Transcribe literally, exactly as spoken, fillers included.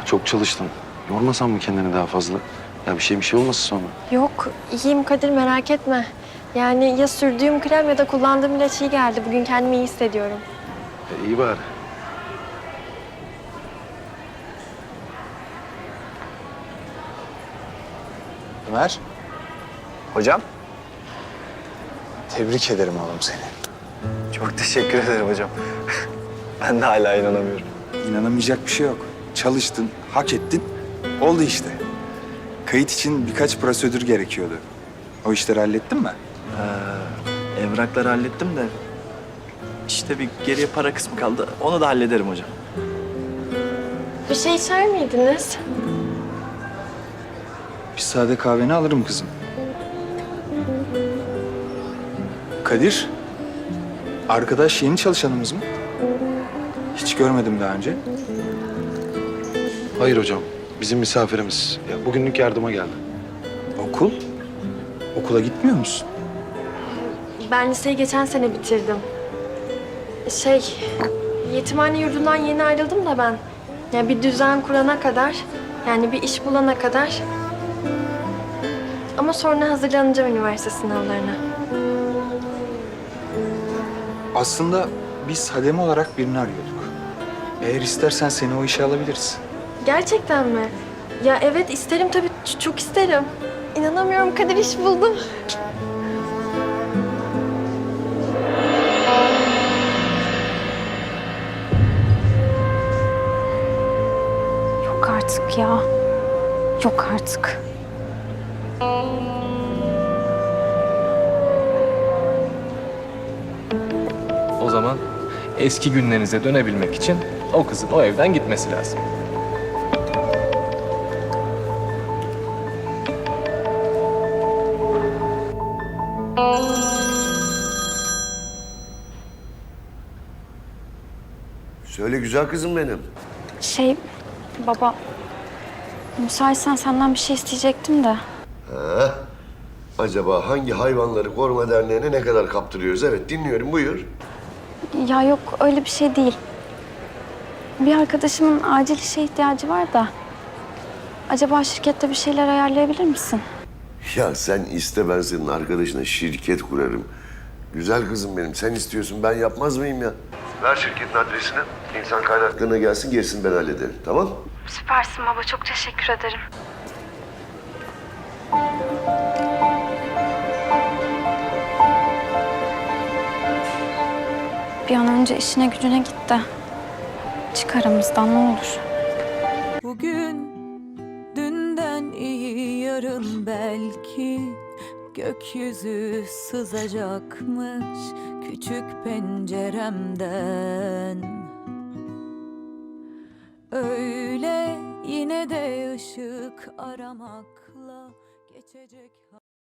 Çok çalıştın. Yormasan mı kendini daha fazla? Ya bir şey bir şey olmasın sonra. Yok, iyiyim Kadir, merak etme. Yani ya sürdüğüm krem ya da kullandığım ilaç iyi geldi. Bugün kendimi iyi hissediyorum. E, iyi bari. Ömer. Hocam. Tebrik ederim oğlum seni. Çok teşekkür ederim hocam. Ben de hala inanamıyorum. İnanamayacak bir şey yok. Çalıştın, hak ettin. Oldu işte. Kayıt için birkaç prosedür gerekiyordu. O işleri hallettin mi? Ee, evrakları hallettim de... işte bir geriye para kısmı kaldı. Onu da hallederim hocam. Bir şey içer miydiniz? Bir sade kahveni alırım kızım. Kadir. Arkadaş yeni çalışanımız mı? Hiç görmedim daha önce. Hayır hocam. Bizim misafirimiz. Ya bugünlük yardıma geldi. Okul? Okula gitmiyor musun? Ben liseyi geçen sene bitirdim. Şey, yetimhane yurdundan yeni ayrıldım da ben. Ya bir düzen kurana kadar, yani bir iş bulana kadar. Ama sonra hazırlanacağım üniversite sınavlarına. Aslında biz hademe olarak birini arıyorduk. Eğer istersen seni o işe alabiliriz. Gerçekten mi? Ya evet isterim tabii, ç- çok isterim. İnanamıyorum Kadir, iş buldum. Yok artık ya. Yok artık. O zaman eski günlerinize dönebilmek için o kızın o evden gitmesi lazım. Söyle güzel kızım benim. Şey baba, müsaitsen senden bir şey isteyecektim de. Ha? Acaba hangi hayvanları koruma derneğine ne kadar kaptırıyoruz? Evet dinliyorum buyur. Ya yok öyle bir şey değil. Bir arkadaşımın acil işe ihtiyacı var da. Acaba şirkette bir şeyler ayarlayabilir misin? Ya sen iste ben senin arkadaşına şirket kurarım. Güzel kızım benim sen istiyorsun ben yapmaz mıyım ya? Ver şirketin adresini. İnsan kaynaklarına gelsin gerisini ben hallederim tamam? Süpersin baba, çok teşekkür ederim. Bir an önce işine gücüne git de çık aramızdan ne olur. Bugün dünden iyi yarın belki gökyüzü sızacakmış küçük penceremden. Öyle yine de ışık aramakla geçecek.